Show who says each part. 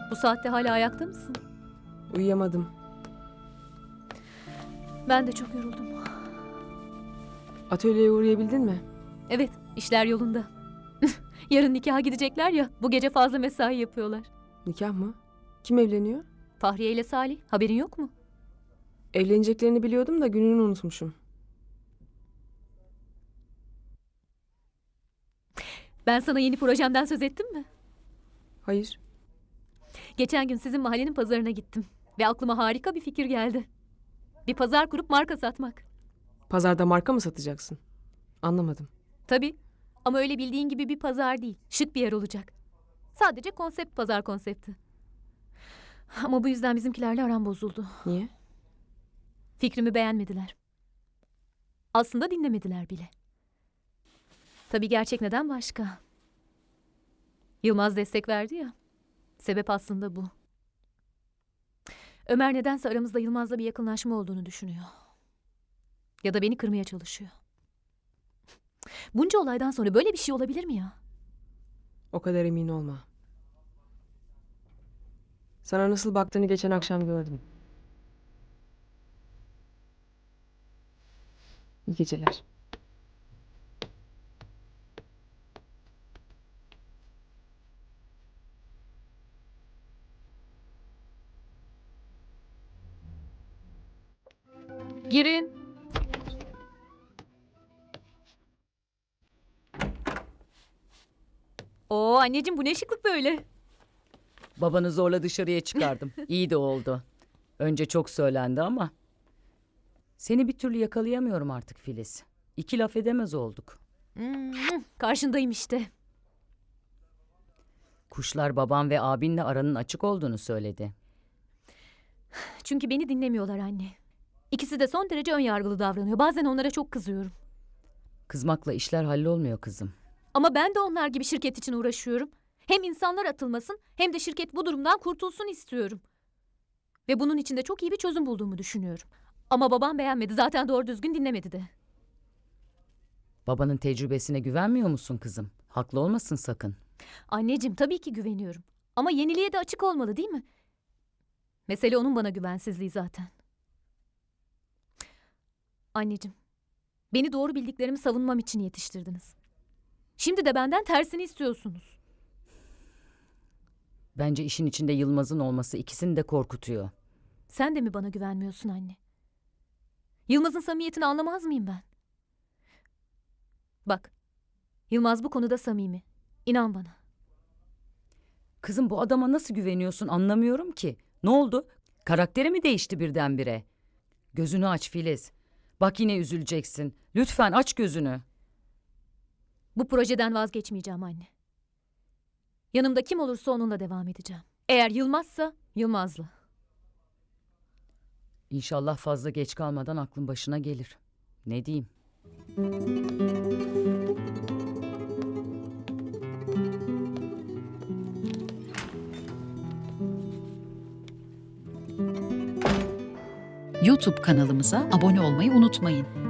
Speaker 1: Bu saatte hala ayakta mısın?
Speaker 2: Uyuyamadım.
Speaker 1: Ben de çok yoruldum.
Speaker 2: Atölyeye uğrayabildin mi?
Speaker 1: Evet, işler yolunda. Yarın nikaha gidecekler ya, bu gece fazla mesai yapıyorlar.
Speaker 2: Nikah mı? Kim evleniyor?
Speaker 1: Fahriye ile Salih, haberin yok mu?
Speaker 2: Evleneceklerini biliyordum da gününü unutmuşum.
Speaker 1: Ben sana yeni projemden söz ettim mi?
Speaker 2: Hayır.
Speaker 1: Geçen gün sizin mahallenin pazarına gittim. Ve aklıma harika bir fikir geldi. Bir pazar kurup marka satmak.
Speaker 2: Pazarda marka mı satacaksın? Anlamadım.
Speaker 1: Tabii. Ama öyle bildiğin gibi bir pazar değil. Şık bir yer olacak. Sadece konsept pazar konsepti. Ama bu yüzden bizimkilerle aram bozuldu.
Speaker 2: Niye?
Speaker 1: Fikrimi beğenmediler. Aslında dinlemediler bile. Tabii gerçek neden başka. Yılmaz destek verdi ya. Sebep aslında bu. Ömer nedense aramızda Yılmaz'la bir yakınlaşma olduğunu düşünüyor. Ya da beni kırmaya çalışıyor. Bunca olaydan sonra böyle bir şey olabilir mi ya?
Speaker 2: O kadar emin olma. Sana nasıl baktığını geçen akşam gördüm. İyi geceler.
Speaker 1: Girin. Oo anneciğim, bu ne şıklık böyle?
Speaker 3: Babanı zorla dışarıya çıkardım. İyi de oldu. Önce çok söylendi ama. Seni bir türlü yakalayamıyorum artık Filiz. İki laf edemez olduk.
Speaker 1: Karşındayım işte.
Speaker 3: Kuşlar babam ve abinle aranın açık olduğunu söyledi.
Speaker 1: Çünkü beni dinlemiyorlar anne. İkisi de son derece ön yargılı davranıyor. Bazen onlara çok kızıyorum.
Speaker 3: Kızmakla işler hallolmuyor kızım.
Speaker 1: Ama ben de onlar gibi şirket için uğraşıyorum. Hem insanlar atılmasın hem de şirket bu durumdan kurtulsun istiyorum. Ve bunun için de çok iyi bir çözüm bulduğumu düşünüyorum. Ama babam beğenmedi. Zaten doğru düzgün dinlemedi de.
Speaker 3: Babanın tecrübesine güvenmiyor musun kızım? Haklı olmasın sakın.
Speaker 1: Anneciğim, tabii ki güveniyorum. Ama yeniliğe de açık olmalı, değil mi? Mesele onun bana güvensizliği zaten. Anneciğim, beni doğru bildiklerimi savunmam için yetiştirdiniz. Şimdi de benden tersini istiyorsunuz.
Speaker 3: Bence işin içinde Yılmaz'ın olması ikisini de korkutuyor.
Speaker 1: Sen de mi bana güvenmiyorsun anne? Yılmaz'ın samimiyetini anlamaz mıyım ben? Bak, Yılmaz bu konuda samimi. İnan bana.
Speaker 3: Kızım bu adama nasıl güveniyorsun anlamıyorum ki. Ne oldu? Karakteri mi değişti birdenbire? Gözünü aç Filiz. Bak yine üzüleceksin. Lütfen aç gözünü.
Speaker 1: Bu projeden vazgeçmeyeceğim anne. Yanımda kim olursa onunla devam edeceğim. Eğer Yılmaz'sa Yılmaz'la.
Speaker 3: İnşallah fazla geç kalmadan aklın başına gelir. Ne diyeyim?
Speaker 4: YouTube kanalımıza abone olmayı unutmayın.